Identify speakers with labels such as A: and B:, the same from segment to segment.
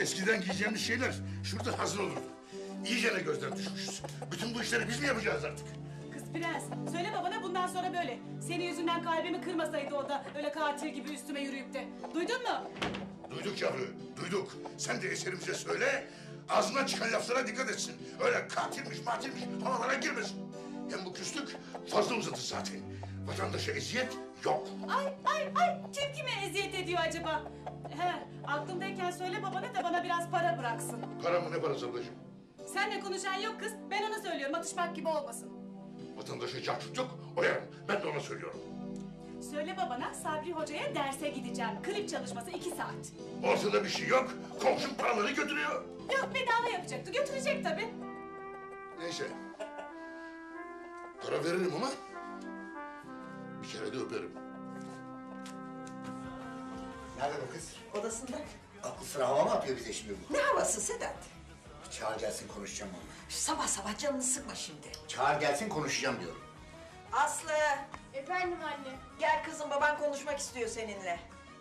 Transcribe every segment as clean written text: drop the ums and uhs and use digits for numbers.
A: Eskiden giyeceğimiz şeyler şurada hazır olurdu. İyice de gözden düşmüşüz. Bütün bu işleri biz mi yapacağız artık?
B: Kız prens, söyle babana bundan sonra böyle. Senin yüzünden kalbimi kırmasaydı o da öyle katil gibi üstüme yürüyüp de. Duydun mu?
A: Duyduk yavru, duyduk. Sen de eserimize söyle, ağzından çıkan laflara dikkat etsin. Öyle katilmiş, matilmiş havalara girmesin. Hem bu küslük fazla uzadı zaten. Vatandaşa eziyet yok.
B: Ay, kim kime eziyet ediyor acaba? He, aklımdayken söyle babana da bana biraz para bıraksın.
A: Para mı ne parası ablacığım?
B: Seninle konuşan yok kız, ben ona söylüyorum, atışmak gibi olmasın.
A: Vatandaşa cahçut yok, oyarım. Ben de ona söylüyorum.
B: Söyle babana, Sabri Hoca'ya derse gideceğim. Klip çalışması 2 saat.
A: Ortada bir şey yok, komşum paraları götürüyor.
B: Yok, bedava yapacaktı, götürecek tabii.
A: Neyse. Para veririm ama bir kere de öperim.
C: Nerede bu kız?
D: Odasında.
C: Aklı sıra hava mı yapıyor bize şimdi bu?
D: Ne havası Sedat?
C: Çağır gelsin konuşacağım onunla.
D: Sabah sabah canını sıkma şimdi.
C: Çağır gelsin konuşacağım diyorum.
D: Aslı,
E: Efendim anne.
D: gel kızım, baban konuşmak istiyor seninle.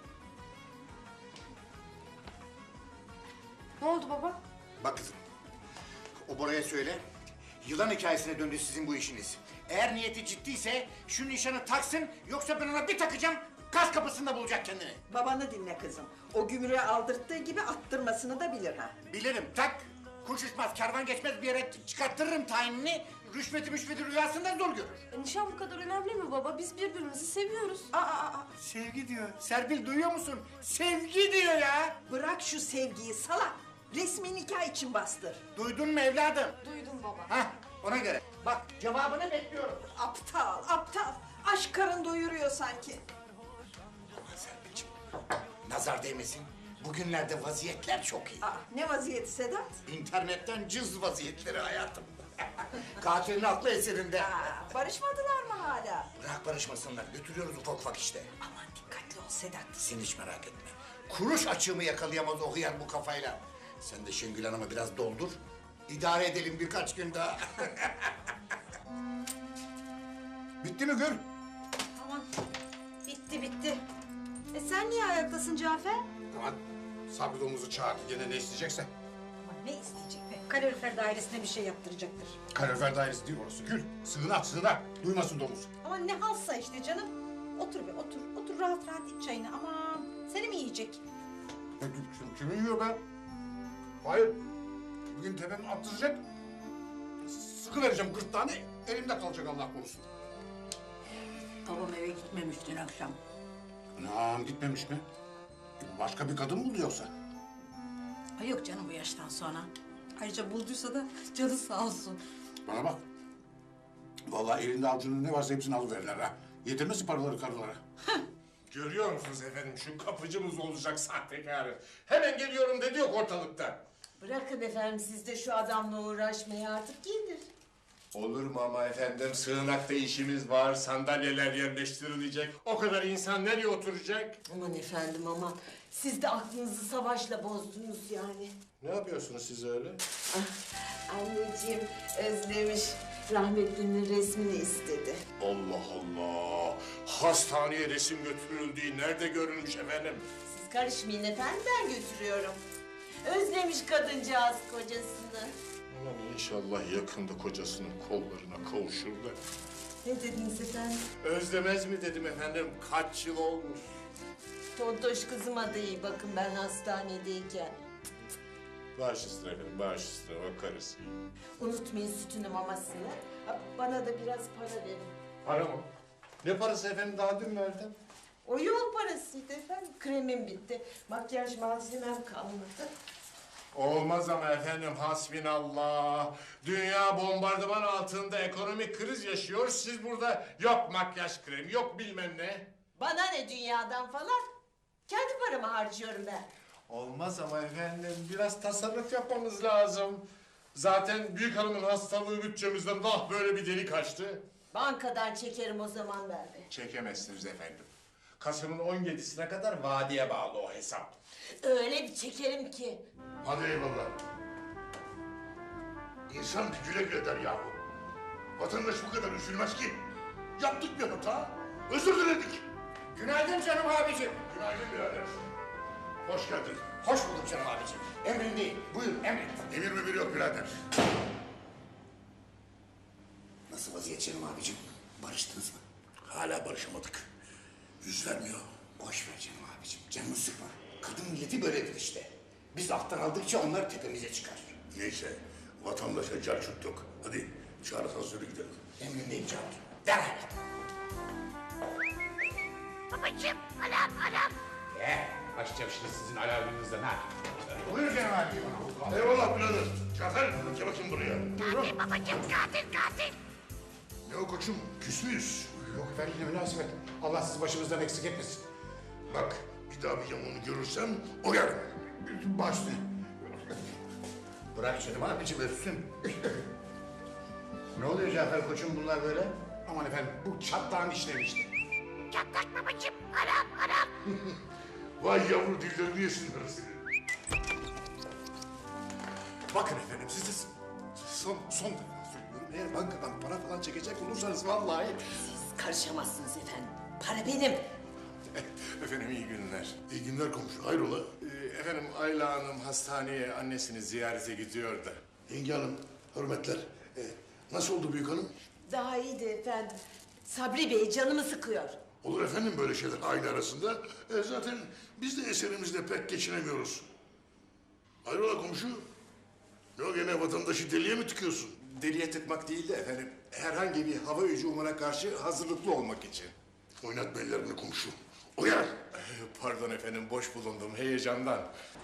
E: Ne oldu baba?
C: Bak kızım. O Bora'ya söyle. Yılan hikayesine döndü sizin bu işiniz. Eğer niyeti ciddiyse şu nişanı taksın, yoksa ben ona bir takacağım, gaz kapısında bulacak kendini.
D: Babanı dinle kızım. O gümrüğe aldırttığı gibi attırmasını da bilir ha.
C: Bilirim, tak. Kuş uçmaz, kervan geçmez bir yere çıkarttırırım tayinini. Rüşveti rüyasından zor görür.
E: Nişan bu kadar önemli mi baba? Biz birbirimizi seviyoruz.
C: Sevgi diyor. Serpil duyuyor musun? Sevgi diyor ya.
D: Bırak şu sevgiyi salak. Resmi nikah için bastır.
C: Duydun mu evladım?
E: Duydum baba.
C: Hah, ona göre. Bak cevabını bekliyorum.
D: Aptal. Aşk karın doyuruyor sanki.
C: Aman Serpil'ciğim, nazar değmesin. Bugünlerde vaziyetler çok iyi.
D: Ne vaziyeti Sedat?
C: İnternetten cız vaziyetleri hayatım. Katilin aklı eserinde.
D: Barışmadılar mı hala?
C: Bırak barışmasınlar, götürüyoruz ufak ufak işte.
D: Aman dikkatli ol Sedat.
C: Sen hiç merak etme. Kuruş açığımı yakalayamaz o hıyar bu kafayla. Sen de Şengül Hanım'ı biraz doldur. İdare edelim birkaç gün daha. Bitti mi Gül?
F: Tamam. Bitti. Sen niye ayaktasın Cafer?
A: Aman Sabri domuzu çağır, gene ne isteyecekse.
F: Aman ne isteyecek be? Kalorifer dairesine bir şey yaptıracaktır.
A: Kalorifer dairesi değil orası Gül. Sığınak. Duymasın domuz.
F: Aman ne halsa işte canım. Otur be otur. Otur rahat iç çayını. Aman seni mi yiyecek?
A: Kimi yiyor be? Hayır. Bugün tepemi attıracak. Sıkıvereceğim gırtlağını, elimde kalacak Allah korusun.
G: Babam eve gitmemiş dün akşam.
A: Anam gitmemiş mi? Başka bir kadın buldu yoksa?
G: Ay yok canım bu yaştan sonra. Ayrıca bulduysa da canı sağ olsun.
A: Bana bak. Vallahi elinde avucunda ne varsa hepsini alıverirler ha. Yetirmesi paraları karılara.
H: Görüyor musunuz efendim şu kapıcımız olacak sahtekarı. Hemen geliyorum dedi yok ortalıkta.
I: Bırakın efendim siz de şu adamla uğraşmayı artık gelir.
H: Olur mu ama efendim sığınakta işimiz var, sandalyeler yerleştirilecek. O kadar insan nereye oturacak?
I: Aman efendim aman. Siz de aklınızı savaşla bozdunuz yani.
H: Ne yapıyorsunuz siz öyle?
I: Anneciğim özlemiş. Rahmetlinin resmini istedi.
H: Allah Allah! Hastaneye resim götürüldüğü nerede görülmüş efendim?
I: Siz karışmayın efendim ben götürüyorum. Özlemiş kadıncağız kocasını.
H: Aman inşallah yakında kocasının kollarına kavuşur da.
I: Ne dediniz efendim?
H: Özlemez mi dedim efendim, kaç yıl olmuş.
I: Tontoş kızıma da iyi bakın ben hastanedeyken.
H: Baş üstüne efendim, baş üstüne bakarız.
I: Unutmayın sütünü mamasını. Bana da biraz para verin.
H: Para mı? Ne parası efendim, daha dün verdim.
I: O yol parasıydı efendim. Kremim bitti. Makyaj malzemem kalmadı.
H: Olmaz ama efendim, hasbinallah. Dünya bombardıman altında ekonomik kriz yaşıyor. Siz burada yok makyaj kremi, yok bilmem ne.
I: Bana ne dünyadan falan? Kendi paramı harcıyorum ben.
H: Olmaz ama efendim, biraz tasarruf yapmamız lazım. Zaten büyük hanımın hastalığı bütçemizden böyle bir delik açtı.
I: Bankadan çekerim o zaman ben de.
H: Çekemezsiniz efendim. Kasım'ın 17'sine kadar vadeye bağlı o hesap.
I: Öyle bir çekerim ki.
A: Hadi eyvallah. İnsan bir güle güle der yahu. Vatandaş bu kadar üzülmez ki. Yaptık bir hata, özür diledik.
C: Günaydın canım abicim.
A: Günaydın birader. Hoş geldin.
C: Hoş bulduk canım abicim. Emrindeyim. Buyur emret.
A: Emir mi yok birader.
C: Nasıl vaziyet canım abicim? Barıştınız mı?
A: Hala barışamadık. Yüz vermiyor.
C: Boş ver canım abicim. Canını sıkma. Kadın milleti böyledir işte. Biz alttan aldıkça onlar tepemize çıkar.
A: Neyse vatandaşa carçurt yok. Hadi çağır asansörü gidelim.
C: Emrindeyim canım. Derhal.
H: Açacağım şimdi sizin alarmınızdan ha.
C: Buyur canım abicim.
A: Eyvallah birader. Cafer gel bakayım buraya. Katil babacığım katil. Ne o koçum küs müyüz?
H: Yok efendim ne münasebet. Allah sizi başımızdan eksik etmesin.
A: Bak bir daha bir yamuğunu görürsem oyarım.
H: Başlı.
C: Bırak canım abicim öpsün. Ne oluyor Cafer koçum bunlar böyle?
H: Aman efendim bu çatlağın işleri işte.
A: Vay yavru dillerini yesinler seni.
H: Bakın efendim size son defa söylüyorum. Eğer bankadan para falan çekecek olursanız vallahi...
I: Karışamazsınız efendim. Para benim.
H: Efendim iyi günler.
A: İyi günler komşu hayrola?
H: Efendim Ayla Hanım hastaneye annesini ziyarete gidiyor da.
A: Yenge hanım hürmetler. Nasıl oldu büyük hanım?
I: Daha iyiydi efendim. Sabri Bey canımı sıkıyor.
A: Olur efendim böyle şeyler aile arasında. Zaten biz de eserimizle pek geçinemiyoruz. Hayrola komşu? Ne o gene vatandaşı deliye mi tıkıyorsun?
H: Deliye tıkmak değil de efendim herhangi bir hava hücumuna karşı hazırlıklı olmak için.
A: Oynat bellerini komşu. Uyar.
H: Pardon efendim boş bulundum heyecandan.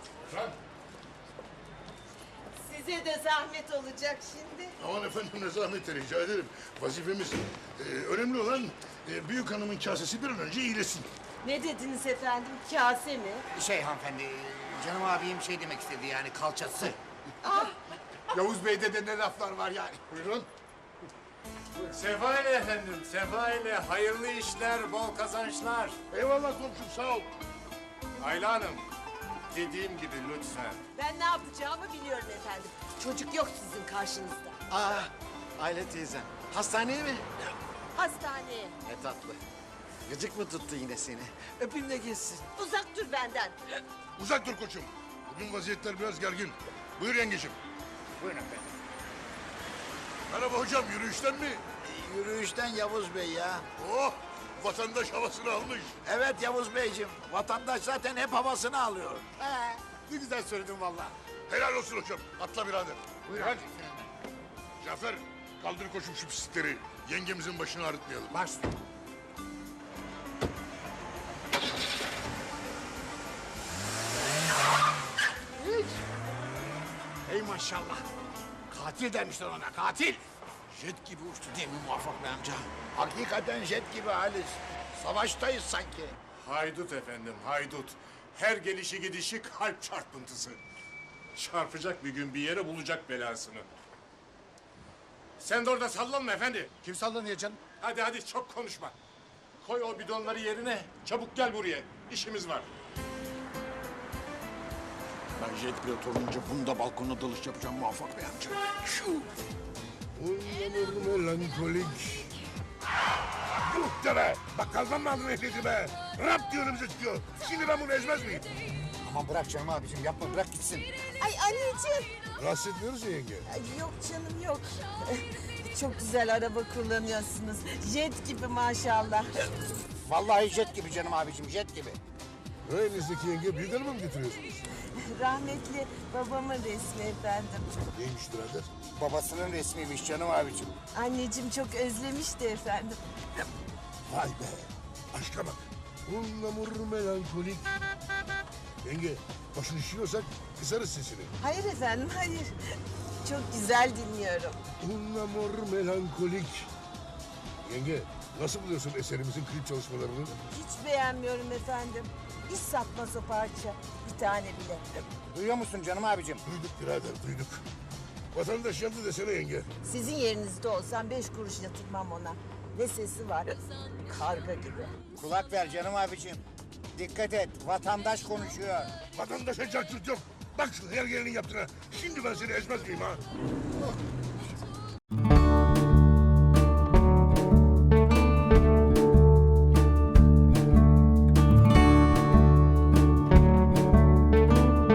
I: Size de zahmet olacak şimdi.
A: Aman efendim ne zahmet rica ederim. Vazifemiz. Önemli olan büyük hanımın kasesi bir an önce iyileşsin.
I: Ne dediniz efendim? Kase mi?
C: Hanımefendi, canım abim şey demek istedi yani kalçası.
H: Yavuz Bey'de de ne laflar var yani.
A: Buyurun.
H: Sefa ile efendim, sefa ile hayırlı işler, bol kazançlar.
A: Eyvallah komşum sağ ol.
H: Ayla Hanım, dediğim gibi lütfen.
I: Ben ne yapacağımı biliyorum efendim. Çocuk yok sizin karşınızda.
J: Aile teyzem. Hastaneye mi?
I: Hastaneye.
J: Ne tatlı. Gıcık mı tuttu yine seni? Öpeyim de geçsin.
I: Uzak dur benden.
A: Uzak dur koçum. Bugün vaziyetler biraz gergin. Buyur yengeciğim.
C: Buyurun efendim.
A: Merhaba hocam yürüyüşten mi?
J: Yürüyüşten Yavuz Bey ya.
A: Oh vatandaş havasını almış.
J: Evet Yavuz Beyciğim. Vatandaş zaten hep havasını alıyor.
H: Ne güzel söyledin vallahi.
A: Helal olsun hocam. Atla birader.
C: Buyurun.
A: Hadi. Cafer kaldır koçum şu pislikleri. Yengemizin başını ağrıtmayalım.
H: Baş.
J: Ey maşallah. Katil demişler ona, katil. Jet gibi uçtu değil mi Muvaffak Bey amca? Hakikaten jet gibi Halis. Savaştayız sanki.
H: Haydut efendim, haydut. Her gelişi gidişi kalp çarpıntısı. Çarpacak bir gün bir yere bulacak belasını. Sen de orada sallanma efendi.
J: Kim sallanıyor canım?
H: Hadi hadi çok konuşma. Koy o bidonları yerine. Çabuk gel buraya. İşimiz var.
J: Ben jet pilot olunca bunu da balkona dalış yapacağım Muvaffak Bey amca.
A: Uyanır melankolik. Yuh de be! Bakkaldan mı aldın ehliyeti be? Rap diyor önümüze çıkıyor. Şimdi ben bunu ezmez miyim?
C: Aman bırak canım abicim yapma bırak gitsin.
I: Ay anneciğim.
A: Rahatsız etmiyoruz ya yenge.
I: Ay, yok canım yok. Çok güzel araba kullanıyorsunuz. Jet gibi maşallah.
C: Vallahi jet gibi canım abicim jet gibi.
A: Elinizdeki yenge büyük hanımı mı getiriyorsunuz?
I: Rahmetli babamın resmi efendim.
A: Neymiş birader?
C: Babasının resmiymiş canım abicim.
I: Anneciğim çok özlemişti efendim.
A: Vay be! Aşka bak. Unlamur melankolik. Yenge, başını şişiyorsak kısarız sesini.
I: Hayır efendim hayır. Çok güzel dinliyorum.
A: Unlamur melankolik. Yenge, nasıl buluyorsun eserimizin klip çalışmalarını?
I: Hiç beğenmiyorum efendim. Hiç satmaz o parça. Bir tane bile.
C: Duyuyor musun canım abicim?
A: Duyduk birader, duyduk. Vatandaş yandı desene yenge.
I: Sizin yerinizde olsam 5 kuruş yatırmam ona. Ne sesi var? Karga gibi.
C: Kulak ver canım abicim. Dikkat et vatandaş konuşuyor.
A: Vatandaşa cartçut yok. Bak şu her gelinin yaptığına. Şimdi ben seni ezmez miyim ha?